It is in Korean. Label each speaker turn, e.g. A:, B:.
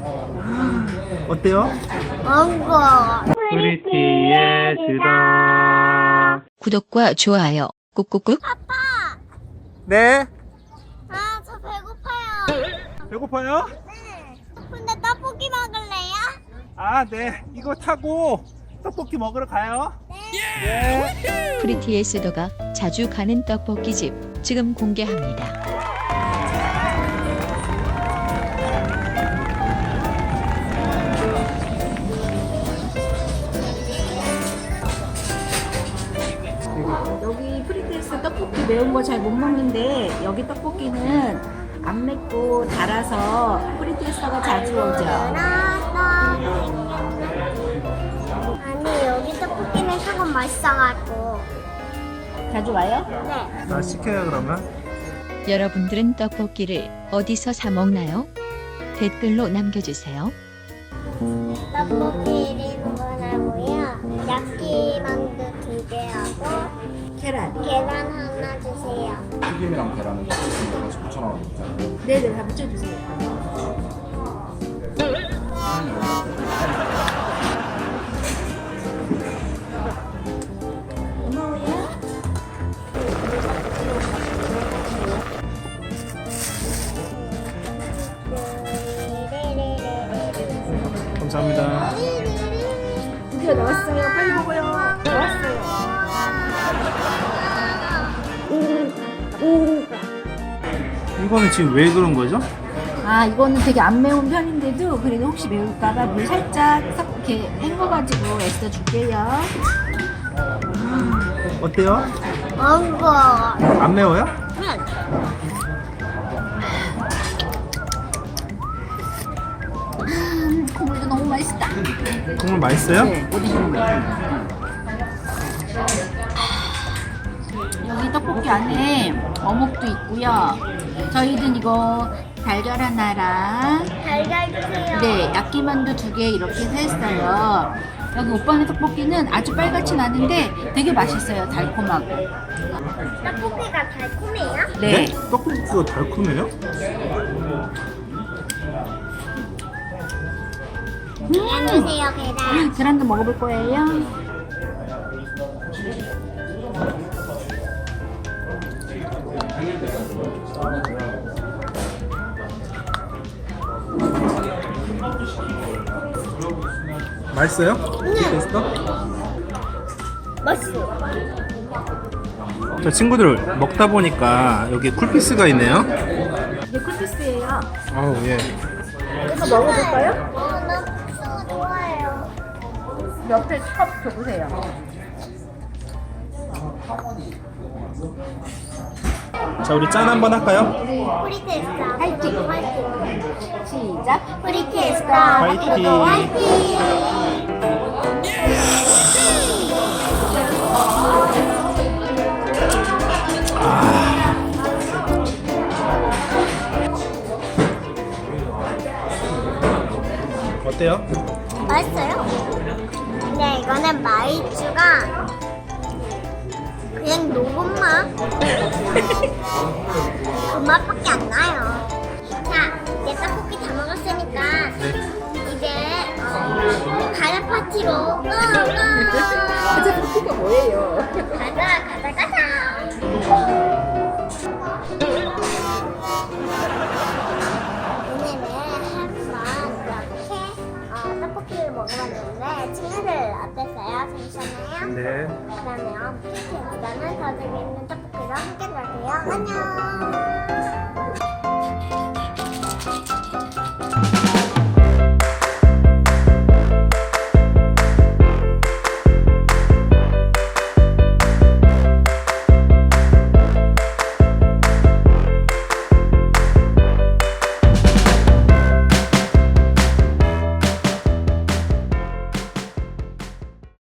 A: 어때요?
B: 먹어.
A: 프리티의 주다.
C: 구독과 좋아요 꾹꾹꾹.
A: 네.
B: 아, 저 배고파요.
A: 배고파요?
B: 네. 근데 떡볶이 먹을래요?
A: 아, 네. 이거 타고 떡볶이 먹으러 가요. 네.
C: 프리티의 수도가 자주 가는 떡볶이집 지금 공개합니다.
D: 여기 프리테스 떡볶이 매운 거 잘 못 먹는데 여기 떡볶이는 안 맵고 달아서 프리테스가 자주 오죠.
B: 아니, 여기 떡볶이는 조금 맛있어가지고.
D: 자주 와요?
B: 네.
A: 나 시켜요, 그러면.
C: 여러분들은 떡볶이를 어디서 사 먹나요? 댓글로 남겨주세요.
B: 떡볶이 1인분하고요. 야끼만두 2개하고
D: 계란.
B: 계란 하나 주세요.
E: 튀김이랑 계란은 같이 붙여놔도
D: 네네, 다 붙여주세요. 고마워요.
A: 감사합니다.
D: 드디어 나왔어요. 빨리 먹어요. 나왔어요.
A: 이거는 지금 왜 그런 거죠?
D: 아, 이거는 되게 안 매운 편인데도 그래도 혹시 매울까봐 물 살짝 섞 이렇게 헹궈가지고 애써 줄게요.
A: 어때요?
B: 먹어.
A: 안 매워요?
D: 국물도 너무 맛있다.
A: 국물 맛있어요?
D: 네, 어디 좀 여기 떡볶이 안에 어묵도 있고요. 저희는 이거 달걀 하나랑
B: 달걀 주세요.
D: 네, 야끼만두 2개 이렇게 했어요. 여기 오빠네 떡볶이는 아주 빨갛진 않은데 되게 맛있어요. 달콤하고.
B: 떡볶이가 달콤해요?
D: 네.
A: 떡볶이가 달콤해요?
B: 계란 주세요, 계란.
D: 계란도 먹어볼 거예요.
A: 맛있어요? 됐어?
B: 맛있어.
A: 저 친구들 먹다 보니까 여기 쿨피스가 있네요.
D: 이게 쿨피스예요.
A: 아우, 예.
D: 이거 먹어볼까요?
B: 나 국수 좋아해요.
D: 옆에 컵 줘보세요.
A: 자, 우리 짠 한번 할까요?
B: 프리테스타.
D: 화이팅!
B: 화이팅.
D: 시작.
B: 프리테스타.
A: 화이팅.
B: 화이팅.
A: 어때요?
B: 맛있어요? 근데 이거는 마이쮸가 그냥 녹은 맛? 그 맛밖에 안 나요. 자, 이제 떡볶이 다 먹었으니까 이제 가자 파티로 고!
D: 가자, 떡볶이가 뭐예요?
B: 가자. 오늘은 한번 이렇게 떡볶이를 먹어봤는데 친구들 어땠어요? 재밌었나요?
A: 네.
B: 그러면 PT에서는 더 재밌는 떡볶이로 함께 놀게요. 안녕.